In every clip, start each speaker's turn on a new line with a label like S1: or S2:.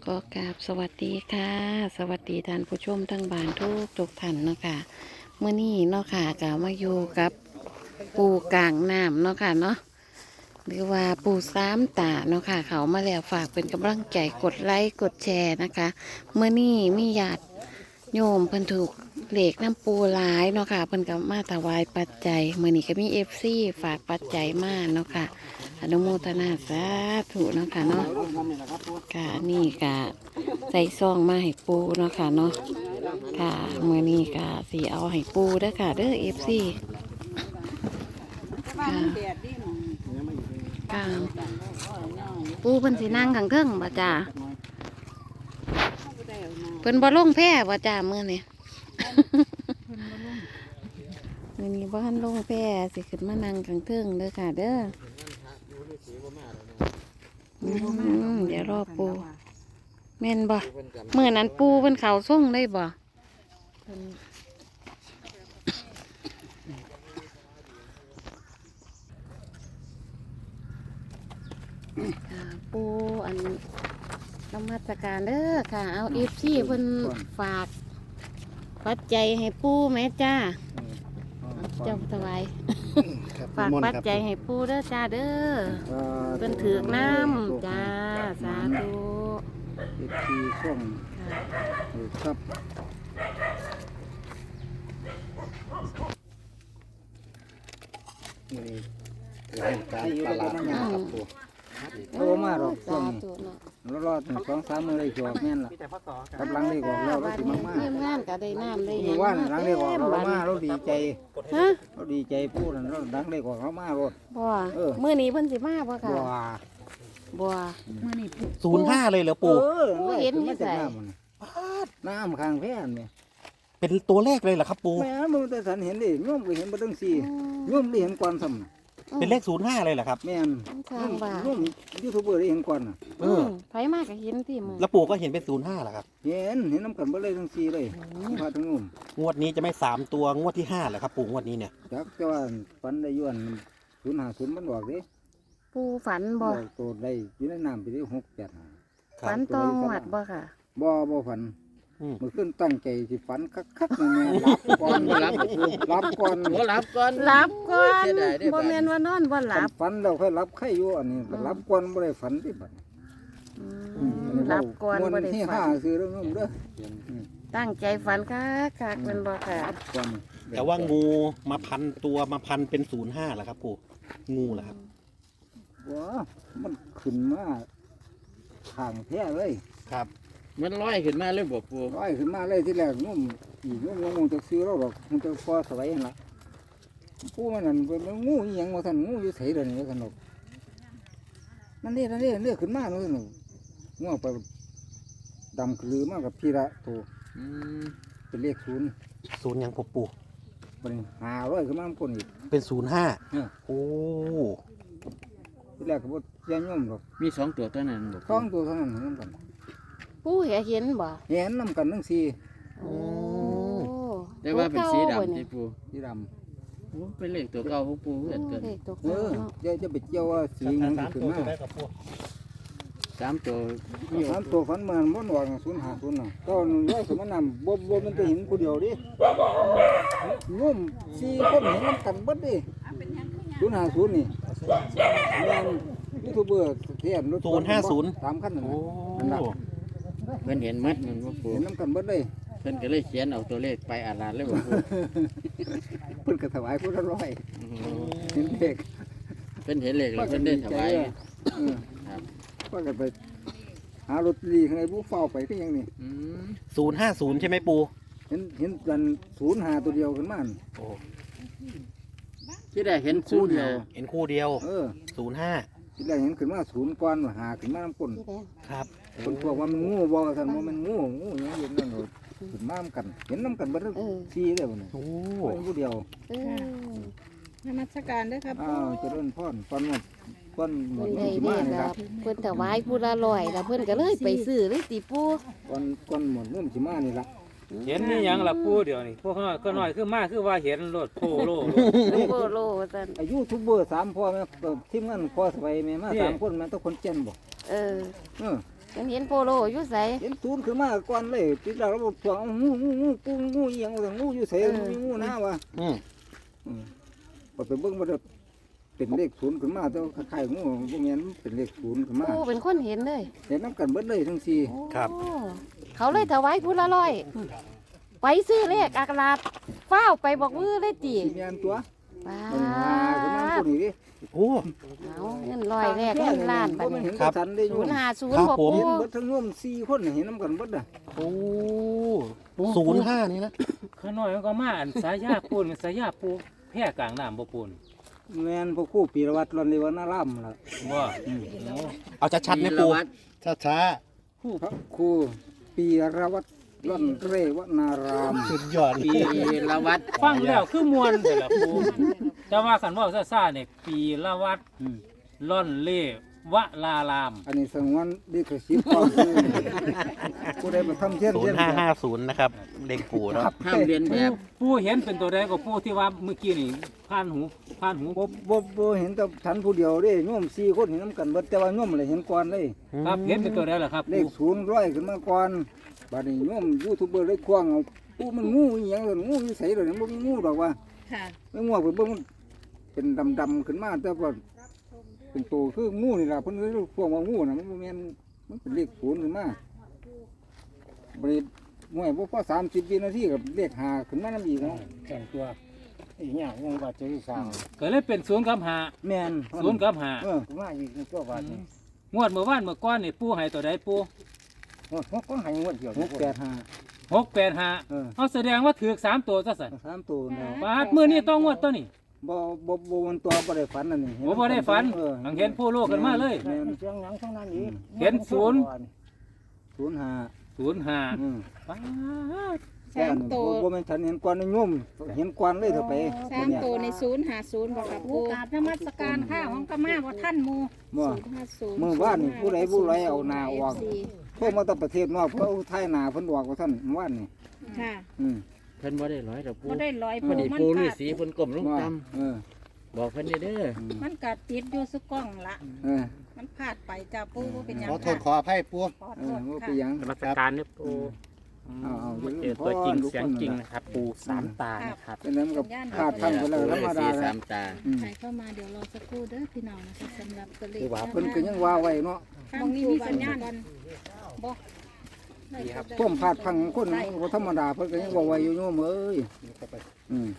S1: ก็กราบสวัสดีค่ะสวัสดีท่านผู้ชมทั้งบ้านทุกท่านเนาะค่ะเมื่อนี้เนาะค่ะก็มาอยู่กับปูกลางน้ำเนาะค่ะเนาะหรือว่าปูสามตาเนาะค่ะเขามาแล้วฝากเป็นกำลังใจกดไลค์กดแชร์นะคะเมื่อนี้มีญาติโยมเพิ่นถูกเหล็กน้ำปูหลายเนาะค่ะเพิ่นก็มาถวายปัจจัยเมื่อนี้ก็มีFCฝากปัจจัยมาเนาะค่ะอนุโมทนาสาธุเนาะค่ะเนาะค่ะนี่ก็ใส่ซองมาให้ปูเนาะค่ะเนาะค่ะเมื่อนี้ก็สีเอาให้ปูเด้อค่ะเด้อFC ค่ะค่ะปูเพิ่นสินั่งข้างเทิงบ่จ้าเพิ่นบ่ลงแพร่บ่จ้ามื้อนี้ มื้อนี้บ่ทันลงแพร่สิขึ้นมานั่งข้างเทิงเด้อค่ะเด้อเดี๋ยวรอปูแม่นบ่มื้อนั้นปูเพิ่นเข้าส่งได้บ่ค่ะปูอันนมัสการเด้อค่ะเอาFCเพิ่นฝากปัจจัยให้ปูแม่จ้าเจ้าถวายฝากปัจจัยให้ปูเด้อจ้าเด้อเป็นถือกน้ำจ้าสาธุ
S2: ทีส่งครับนี่เป็นการตลาดนะครับผมโตมาหรอกส่งรอด2-3 มื้อได้จบแม่นล่ะกำลังได้ออกแล้วสิมากๆ
S1: เยี่ยมงานก็ได้น้ำได้หยัง
S2: ว่าหลังได้ออกเรามาเราดีใจ
S1: ฮะ
S2: เราดีใจพูดนั่นเราดังได้ออกเรามารถ
S1: บ่มื้อนี้เพิ่นสิมาบ่ค่ะ
S2: บัว
S1: บ่
S3: 05เลยเหรอปู่
S1: เห็นอยู่ไส
S2: น้ำข้างแพนเนี่ย
S3: เป็นตัวเลขเลยเหรอครับปู่
S2: แม่มึงแต่สันเห็นดิโยมไปเห็นบ่ตั้งสี่โยมได้เห็นก่อนซ้ำ
S3: เป็นเลข05เลยเหรอครับ
S2: แม่น
S1: ทางว่า
S2: โยมยูทูบเบอร์ได้เห็นก่อนน่ะ
S1: ไผมาก็เห็นที่มื้อ
S3: แล้วปู่ก็เห็นเป็น05เหรอครับ
S2: เห็นน้ำกันบ่เลยทั้งสี่เลยพาทั้งนุ่ม
S3: งวดนี้จะไม่3ตัวงวดที่5เหรอครับปู่งวดนี้เนี่ย
S2: จักแต่ว่าฝันได้ย้อน050มันบอกเด้
S1: ปูฝันบ่
S2: บอกตัวได้อยู่ในน้ำไปที่6-7
S3: ครับ
S1: ฝันตองวดบ่ค่ะ
S2: บ่ฝัน
S3: อืม
S2: เมื่อคืนตั้งใจสิฝันคักๆนั่นแหละรับก่อนรับก่อน
S4: รับก่อน
S1: หลับก่อน
S4: เสียดายเด้อ
S1: บ่แม่นว่านอนบ่หลับ
S2: ฝันเราค่อยรับไข่อยู่อันนี้รับก่อนบ่ได้ฝันที่บัด
S1: หลับก่อนบ่ได้
S2: ที่
S1: ฝั
S2: ห้าน ซื้อเรื่องนุ่มเด้อ
S1: ตั้งใจฝันคักๆแม่นบ่ค่ะ
S2: รับก่อน
S3: แต่ว่างูมาพันตัวมาพันเป็น05เหรอครับปู่งูเหรอครับ
S2: ว้ามันขึ้นมาทางแท้เลย
S3: ครับ
S4: มันลอยขึ้นมาเลยบอกปู
S2: ร้อยขึ้นมาเลยที่แรกนุ่มอีกนุ่มงงจะซื้อเราหรอกมันจะพอสบายนั่นล่ะผู้มันนั่นเป็นงูอีหยังว่าท่านงูอยู่ไสเด้อนี่ว่าท่านหรอกนั่นนี่ขึ้นมาเนาะท่านงูไปดำคือมากับพี่ละโต
S4: อืม
S2: เป็นเลข0
S3: 0ยังปู่ปู่
S2: บัดนี้500ขึ้นมาคนอีก
S3: เป็น05
S2: เออ
S3: โอ้
S2: ที่แรกก็บ่เสียย่อมหรอก
S4: มีสองตัวเท่านั้นบอก
S2: สองตัวเท่านั้นเห็นกัน
S1: ปูเห็นบ่
S2: เห็นนำกันทั้งสี่
S1: โอ้
S4: ได้ว่าเป็นสี
S1: ตัวก่าบ่
S4: ดำ
S1: นี่
S4: ที่ปู
S2: สีด
S4: โอ้เป็นเลขตัวเก่าของปูเกิด
S1: เอ
S4: เกิ
S1: อน เลขตัว
S2: ำเอ
S1: เก่า
S2: อ
S1: เนาะ
S2: เดี๋ยวจะไปเจียวว่าสีหยังสิขึ้นมา
S4: 3 ตัวมี
S2: สามตัวฝันเหมือนบ่หนวก050น่ะตอนร้อยสมนำบ่มันจะเห็นผู้เดียวดิงุ่มสี่คนเห็นนำกันเบิดดิ050นี่แม่นยูทูบเบอร์เทียนรถ3คันนั่น
S3: โอ้
S2: น่ะนั่นล่ะ
S4: เพิ่นเห็นมัดมันบอกปู
S2: เห็นนำกันเบิดเลย
S4: เพิ่นก็เลยเขียนเอาตัวเลขไปอ่านเลยบอกปู
S2: เพิ่นก็ถวายผู้ละร้อยเห็นเด็ก
S4: เพิ่นเห็นเลขแล้วเพิ่นได้ถวาย
S2: เออ
S4: ครับ
S2: ว่ากันไปหารถลีข้างในผู้เฝ้าไปก็ยังนี่
S4: อืม
S3: 050ใช่ไหมปู่
S2: เห็นกัน05ตัวเดียวขึ้นมานี่
S3: โอ้
S4: ที่ได้เห็น
S2: คู่เดียว
S3: เห็นคู่เดียว
S2: เออ
S3: 05
S2: ที่แรกเห็นขึ้นมา0ก่อนว่าหาขึ้นมาน้ำก้น
S1: ที่แดง
S3: ครับ
S2: คนพวกว่ามันงูบอกกันว่ามันงูอยังเห็นนั่นโหดขึ้นมาน้ำกัน เห็นน้ำกันเบัดซีเลยบ่เนี่ย
S3: โอ้
S2: เป็นผู้เดียว
S1: เออน
S5: มัสการด้วยครับ
S2: อ้าวเจะเริ่พรก่อนหมดก่อนหม
S1: เพิ่
S2: ด
S1: น
S2: นุ่
S1: ได้
S2: มสิ
S1: เด้
S2: มานี่
S1: ค
S2: ค
S1: รั
S2: รั
S1: บบ เพิ่นถวายผู้ละร้อยแล้วเพิ่นก็เลยไปซื้อเลยติปู
S2: ก่อนหมดนุ่มสิมานี่ละ
S6: เห็นนี่ยังล่ะปู่เดี๋ยวนี้พวกเขาก็น้อยคือมากคือว่าเห็นรถโพโล
S1: โลโลว่าซั่น
S2: อายุทูบเบอร์3พ่อแม่ทีมงานพ่อสบายแม่มา3คนแม่ต้องคนเจนบ่
S1: เออ
S2: เออ
S1: จัมันเห็นโปโลอยู่ไส
S2: เห็นศูนย์ขึ้นมาก่อนเลยติดแล้วเราบอกพวกงูปูงูอีหยังว่างูอยู่ไสมีงูหน้าวะ
S3: อืม
S2: พอไปเบิ่งมันเป็นเลขศูนย์ขึ้นมาแต่ว่าคล้ายๆงูบ่แม่นเป็นเลขศูนย์ขึ้นมา
S1: ปูเป็นคนเห็นเลย
S2: เห็นน้ำกันเบิดเลยทั้งสี่
S3: ครับ
S1: โอ้เขาเลยถวายพุทธละร้อยไปซื้อเลขอักลาบฟ้าวไปบอกมือเลยตี
S2: สี่แม่นตัว
S1: ป้า
S2: มันหาขึ้นมาผู้นี้ดิ
S3: โอ้
S1: เอาเงินร้อยแรกเงินล้าน
S2: บ่
S1: บัด
S2: แม่น
S1: นี้
S2: เห็นกระสันได้อยู่
S1: 050
S3: ครับ
S1: บ่
S3: ผม
S1: ปู
S2: เห็นเบิดทั้งร่วม4คนน่ะเห็นน้ำกันเบิดอ่ะ
S3: โอ้05นี่นะ
S6: ข้าน้อยมันก็มาอันสายาปูนสายาปูแพร่กลางน้ำบ่ปูน
S2: แม่นพวกครู่ปีรวัตรรอนเลวนารามล่ะ
S6: บ่
S3: เอาชัดๆนะปู
S4: วีรวัตร
S3: ช้า
S2: พระครูปีรวัตรร่อนเรวนาราม
S3: ๆสุดยอด
S4: ปีละวัด
S6: ฟังแล้วคือมวนแต่ละปูแต่ว่าคันเว่าซ่าๆเนี่ยปีละวัด
S2: อืม
S6: ล่อนเล่วะลาราม
S2: อันนี้สงวนดีกสิทธิ์ความคือผู้ใดมาทำเช่น
S3: 0550นะครับเลขปู่เนาะ
S4: ห้ามเรียนแบบ
S6: ปูเห็นเป็นตัวใดก็ปูที่ว่าเมื่อกี้นี่ผ่านหู
S2: บ่เห็นแต่ฉันผู้เดียวเด้โยม4คนเห็นน้ำกันเบิดแต่ว่าโยมเลยเห็นก่อนเลย
S6: ครับเห็นเป็นตัวใดล่ะครับ
S2: เล
S6: ปู
S2: ข000ขึ้นมาก่อนบัดนี้โยมยูทูบเบอร์เลยควงเอาปูมันงูอีหยังเลยงูอยู่ไสเลยมันบ่มีงูดอกว่า
S1: ค่ะ
S2: ไม่งูไปเบิ่งมันเป็นดำๆขึ้นมาแต่ว่าเป็นตัวคืองูนี่ล่ะเพิ่นเลยพวกว่างูน่ะมันบ่แม่นมันเป็นเลข0ขึ้นมาบริมวยบ่พอ30วินาทีกับเลข5ขึ้นมานำอีกเนาะ
S5: แต่งตัวอีกอย่างยังว่าจะได้สร้าง
S6: ก็เลยเป็น0กับ
S2: แม่น
S6: 5 0กับ
S2: เออ
S5: มาอีกในตัวบาทนี่
S6: 5งวดเมื่อวานเมื่อก่อนนี่ปูให้ตัวใดปู
S5: มันก็ให้งวดเดียว
S2: 685
S6: 685
S2: เออ
S6: เอาแสดงว่าถือ3ตัวซะสั่น
S2: 3ตัวเนาะ
S6: บาดมื้อนี้ต้องงวดตัวนี้
S2: บ่มันตัวบ่ได้ฝันอันนี้
S6: บ่ได้ฝัน
S2: เออ
S6: หังเห็นผู้โลกกันมาเลย
S2: แม่น
S5: เสียงหนังทั้งนั้นอีก
S6: เห็นศูนย์
S2: 05
S6: 05
S2: อืม
S6: ป๊าด
S2: บ่แม่นฉันเห็นก่อนในโยมเห็นก่อนเลยเถอะไป
S7: 3 ตัวใน050บ่ครับ
S8: ปู
S7: ปู
S8: กราบนมัสการข้าของกะมาบ่ท่านหมู
S2: บ่
S7: 050
S2: มื้อวานนี่ผู้ใดเอาหน้าออกโทรมาจากประเทศนอกเพิ่นเอาถ่ายหน้าเพิ่นออกว่าท่านเมื่อวานนี่
S7: ค่ะ
S2: อืม
S4: เพิ่นบ่ได้ร้อยดอกปู
S7: บ่ได้ลอย
S4: พอดี
S7: มัน
S4: ปูฤา
S7: กัด
S4: ษีเพิ่นก้มลง
S2: ว่า
S4: ต่
S2: เออ
S4: ำบอกเพิ่นเด้อ
S7: มันกัดติดอยู่สุกล้องละ
S2: เออ
S7: มันพลาดไปจ้าปูบ่เป็นหยัง
S3: ขอโทษข
S7: ค่ะ
S3: ออภัยปู่
S7: ขอ
S2: เอ
S7: โท
S2: อ
S7: ษ
S2: บ่
S7: ค่ะ
S2: เป็นหยัง
S6: นมัสการเนี่ยปู
S2: เอาๆ
S6: มาเจอตัวจริงเสียงจริงนะครับปูสามตานะครับ
S2: เป็นนั้นกับพลาดทางไปแล้วธรรม
S4: ฤาษี
S2: ดา
S4: สามตา
S2: อืม
S7: ใครเข้ามาเดี๋ยวรอสักครู่เด้อพี่น้องนะคะสำหรับตัวเลข
S2: คือว่าเพิ่นก็ยังว่าไว้เนาะ
S7: มองนี้มีสัญญาณบ่
S2: ท่วมพลาดพังคนบ่ธรรมดาเพิ่นก็ยังว่าไว้อยู่โยมเอ้ยอืม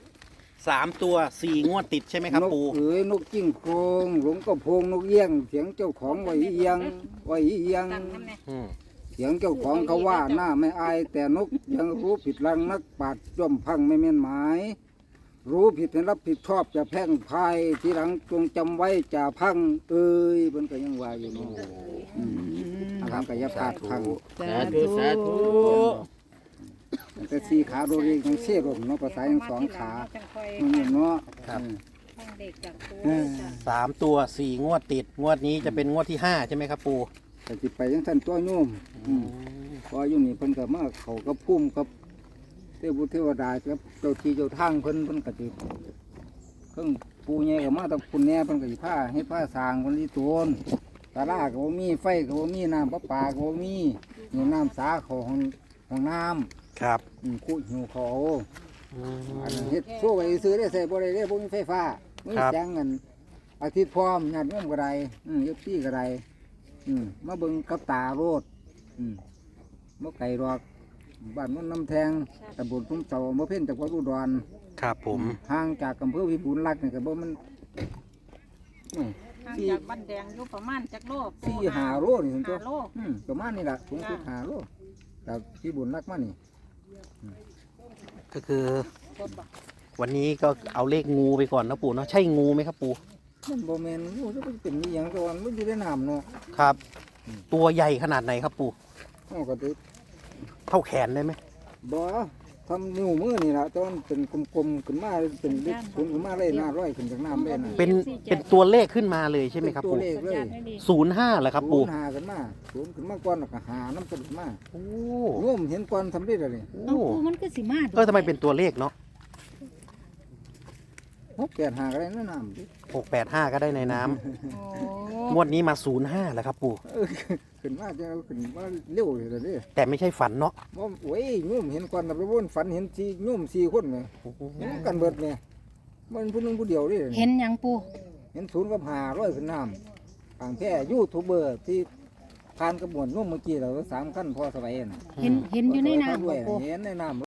S3: 3 ตัว 4 งวดติดใช่ไหมครับ
S2: นก
S3: ปู่
S2: เอ๋ยนกจิ้งโครงหลงกระโพงนกเอี้ยงเสียงเจ้าของไว้เอียงไว้เอียง
S7: ตั้งนำแน่
S3: อืม
S2: เสียงเจ้าของเขาว่าหน้าไม่อาย แต่นกยังรู้ผิดลังนักปราดย่อมพังไม่แม่นหมาย รู้ผิดให้รับผิดชอบจะแพร่งพรายทีหลังจงจำไว้จะพังเอ้ยเพิ่นก็ยังว่าอยู่เนาะอืมอาการก็อย่าพลาดพัง
S4: สาธุสาธุ
S2: แต่สี่ขาโดเรียยังเสียรมเนาะภาษายังสองขา
S7: จังค่อย
S2: อืมเนาะ
S3: ครับ
S7: ฟังเด็กจากปู
S2: เออ
S7: จ้ะ
S3: 3 ตัว 4 งวดติด งวดนี้จะเป็นงวดที่ 5 ใช่ไหมครับปู่
S2: แต่สิไปยังท่านตัวโยมอืมพออยู่นี่เพิ่นก็มาเขากับพุ่มกับเทพบุตรเทวดาครับเจ้าที่เจ้าทางเพิ่นก็สิเครื่องปูใหญ่ก็มาแตะคุณแหน่เพิ่นก็สิพาให้พาสร้างเพิ่นที่โตนตาลาก็บ่มีไฟก็บ่มีน้ำประปาก็บ่มีอยู่น้ำสาเขาของน้ำ
S3: ครับ
S2: คูหิวเขาอันนี้เฮ็ดสู้ไว้ซื้อได้ใส่บ่ได้เด้บ่มีไฟฟ้ามีแสงเงินอาทิตย์พร้อมญาติโยมก็ได้ยกที่ก็ได้มาเบิ่งกับตาโรดบ่ไกลดอกบ้านมันน้ำแทงตำบลทุ่งเสาบ่เพ่นจากวัดอุดร
S3: ครับผม
S2: ห่างจากอำเภอพิบูลรักษ์นี่ก็บ่มัน
S7: ห่างจากบ้านแดงอยู่ประมาณจักโลปู
S2: 4-5 โลนี่ถึงตัว
S7: 5 โล
S2: ประมาณนี้ล่ะสูงสุด5 โลจากพิบูลรักษ์มานี่
S3: ก็คือ วันนี้ก็เอาเลขงูไปก่อนนะปู่เนาะ ใช่งูไหมครับปู่
S2: มันบ่แม่นงูจะเป็นอีหยังก่อนมันอยู่ในน้ำเนาะ
S3: ครับ ตัวใหญ่ขนาดไหนครับปู่
S2: เอาก็ติ
S3: เท่าแขนได้ไหม
S2: บ่ทำนิ้วมือนี่ล่ะตอนเป็นกลมๆขึ้นมาเป็นเลขศูนย์ขึ้นมาเลยหน้าร้อยขึ้นจากน้ำเลยนะ
S3: เป็นตัวเลขขึ้นมาเลยใช่ไหมครับ
S2: ตัว
S3: ปู่
S2: เลขเลย
S3: 05เหรอครับ
S2: ศู
S3: ปู่
S2: นย์หาขึ้นมาศูนย์ขึ้นมาก่อนแล้วก็หาน้ำขึ้นมา
S3: โอ้
S2: โยมเห็นก่อนสำเร็จเลย
S3: โอ้
S7: เอาปูมันก็สิมา
S3: ทำไมเป็นตัวเลขเนาะ
S2: 685ก็ได้นะน้ำดิ
S3: 685ก็ได้ในน้ำ
S8: โอ้
S3: งวดนี้มา05แล้วครับปู่
S2: ขึ้นมาจะขึ้นมาเร็วเลยเด้
S3: แต่ไม่ใช่ฝันเนาะ
S2: บ่โอ้ยโยมเห็นก่อนแต่ไปวนฝันเห็นสี่โยม4คนเนี่ยเห็นกันเบิดเนี่ยมันผู้หนึงผู้เดียวนี่
S8: เห็นหยังปู
S2: เห็น0กับ500ขึ้นน้ำทางแท้ยูทูบเบอร์ที่ผ่านกระบวนโยมเมื่อกี้เรา3คันพอสบายน่ะ
S8: เห็นอยู่ในน้ำ
S2: ด้
S8: บ่
S2: วย
S8: ปู
S2: เห็นในน้ำ